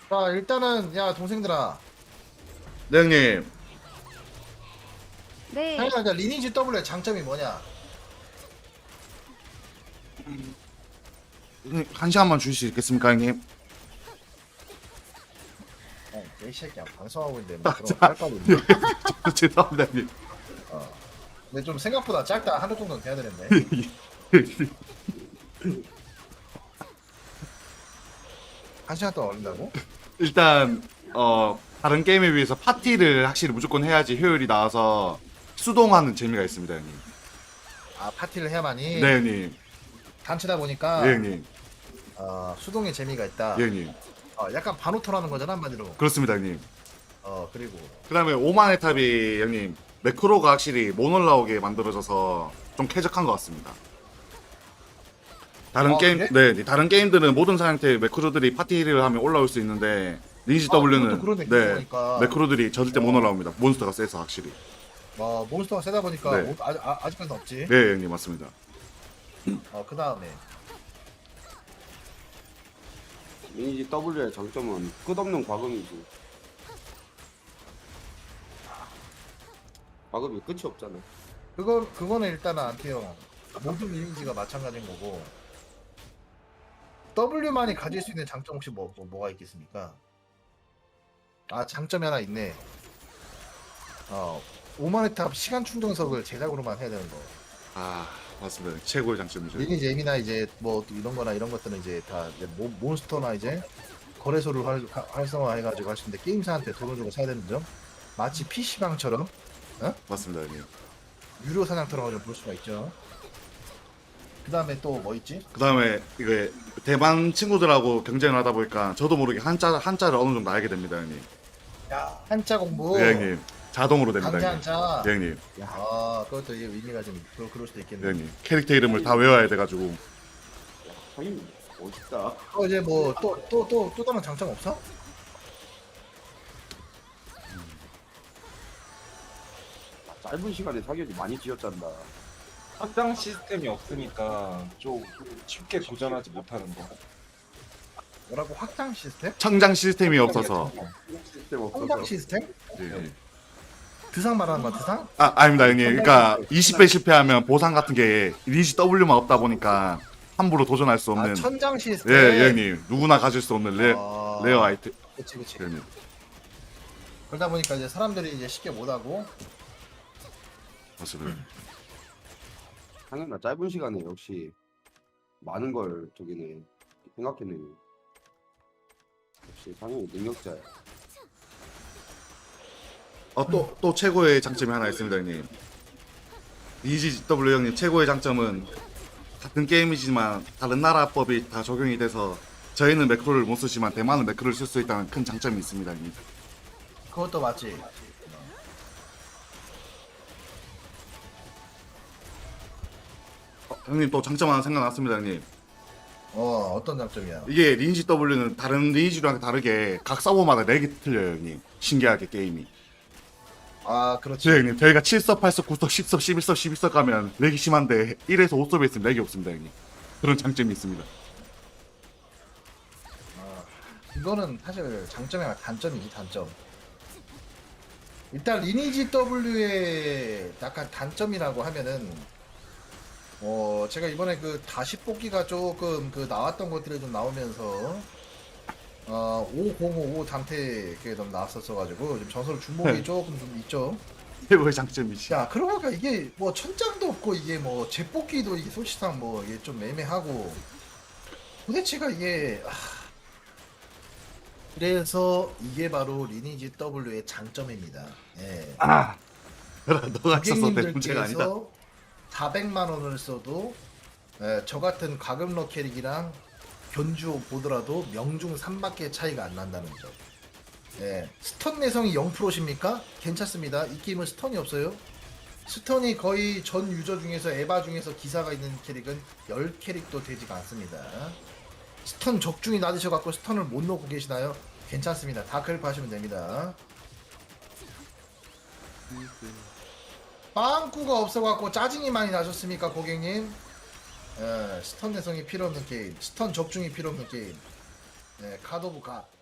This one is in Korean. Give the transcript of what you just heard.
자, 일단은 야 동생들아, 네 형님. 네. 당연히 리니지 W의 장점이 뭐냐? 형님, 한 시간만 주실 수 있겠습니까 형님? 이 새끼야 방송하고 있는데 뭐 그런 거 깔깔이 있네. 죄송합니다 형님. 근데 좀 생각보다 짧다. 하루 정도는 돼야 되는데. 한 시간 동안 걸린다고? 일단 다른 게임에 비해서 파티를 확실히 무조건 해야지 효율이 나와서 수동하는 재미가 있습니다 형님. 아 파티를 해야만이. 네 형님. 단체다 보니까 예 형님. 수동의 재미가 있다. 예 형님. 약간 반오토라는 거잖아 한마디로. 그렇습니다 형님. 그리고 그 다음에 오만의 탑이 형님 매크로가 확실히 못 올라오게 만들어져서 좀 쾌적한 것 같습니다. 다른 게임, 그래? 네, 다른 게임들은 모든 상태의 매크로들이 파티를 하면 올라올 수 있는데 리니지 그것도 W는 그러네, 네, 그러니까. 매크로들이 절대 못 올라옵니다. 몬스터가 세서 확실히. 몬스터가 세다 보니까 네. 아직까지는 없지. 네, 형님 맞습니다. 그 다음에 리니지 W의 장점은 끝없는 과금이지. 과금이 끝이 없잖아. 그거는 일단은 안태형 모든 리니지가 마찬가지인 거고. W만이 가질 수 있는 장점 혹시 뭐가 있겠습니까? 장점이 하나 있네. 오만의 탑 시간 충전석을 제작으로만 해야 되는 거. 맞습니다. 최고의 장점이죠. 리니지 M이나 이제 뭐 이런 거나 이런 것들은 이제 다 이제 몬스터나 이제 거래소를 활성화해가지고 할 수 있는데 게임사한테 돈을 주고 사야 되는 점. 마치 PC방처럼 맞습니다, 형님. 유료 사냥터라고 좀 볼 수가 있죠. 그 다음에 또 뭐 있지? 그 다음에 이게 대만 친구들하고 경쟁을 하다 보니까 저도 모르게 한자를 어느 정도 알게 됩니다, 형님. 야 한자 공부. 네, 형님. 자동으로 됩니다, 강제 형님. 한자. 네, 형님. 그것도 이게 의미가 좀 그럴 수도 있겠네. 네, 형님. 캐릭터 이름을 다 외워야 돼가지고. 형님 멋있다. 이제 뭐 또 다른 장점 없어? 짧은 시간에 사격이 많이 지었잖아. 확장 시스템이 없으니까 좀 쉽게 도전하지 못하는 거. 뭐라고 확장 시스템? 청장 시스템이 없어서. 시스템 성장 없어서. 시스템? 네. 드상 말하는 거야 드상? 아닙니다, 형님. 그러니까 20배 실패하면 보상 같은 게 리니지 W만 없다 보니까 함부로 도전할 수 없는. 천장 시스템. 예, 형님. 누구나 가질 수 없는 레어 아이템. 그치. 네, 형님. 그러다 보니까 이제 사람들이 이제 쉽게 못하고. 맞습니다. 당연히 짧은 시간에 역시 많은 걸 저기네 생각해내. 역시 당연히 능력자야. 또 최고의 장점이 하나 있습니다, 형님. 리니지 W 형님 최고의 장점은 같은 게임이지만 다른 나라 법이 다 적용이 돼서 저희는 매크로를 못 쓰지만 대만은 매크로를 쓸 수 있다는 큰 장점이 있습니다, 형님. 그것도 맞지. 형님 또 장점 하나 생각났습니다, 형님. 어떤 장점이야? 이게 리니지 W는 다른 리니지랑 다르게 각 서버마다 렉이 틀려요, 형님. 신기하게 게임이. 그렇지. 네, 형님. 저희가 7섭, 8섭, 9섭, 10섭, 11섭, 12섭 가면 렉이 심한데 1에서 5섭에 있으면 렉이 없습니다, 형님. 그런 장점이 있습니다. 이거는 사실 장점이 아니라 단점이지 단점. 일단 리니지 W의 약간 단점이라고 하면은 제가 이번에 그 다시 뽑기가 조금 그 나왔던 것들이 좀 나오면서 5055 단테 그게 좀 나왔었어가지고 좀 전설 중복이 네. 조금 좀 있죠. 최고의 장점이지. 야 그러고 보니까 이게 뭐 천장도 없고 이게 뭐 재뽑기도 이게 솔직상 뭐 이게 좀 애매하고 도대체가 이게 그래서 이게 바로 리니지 W의 장점입니다. 예. 너가 있어서 내 문제가 아니다. 고객님들께서 400만 원을 써도 저 같은 과금러 캐릭이랑 견주 보더라도 명중 3밖에 차이가 안 난다는 점. 예. 스턴 내성이 0%십니까? 괜찮습니다. 이 게임은 스턴이 없어요. 스턴이 거의 전 유저 중에서 에바 중에서 기사가 있는 캐릭은 10캐릭도 되지가 않습니다. 스턴 적중이 낮으셔갖고 스턴을 못 놓고 계시나요? 괜찮습니다. 다크를 하시면 됩니다. 빵꾸가 없어갖고 짜증이 많이 나셨습니까, 고객님? 스턴 내성이 필요 없는 게임, 스턴 적중이 필요 없는 게임. 카드 오브 갓.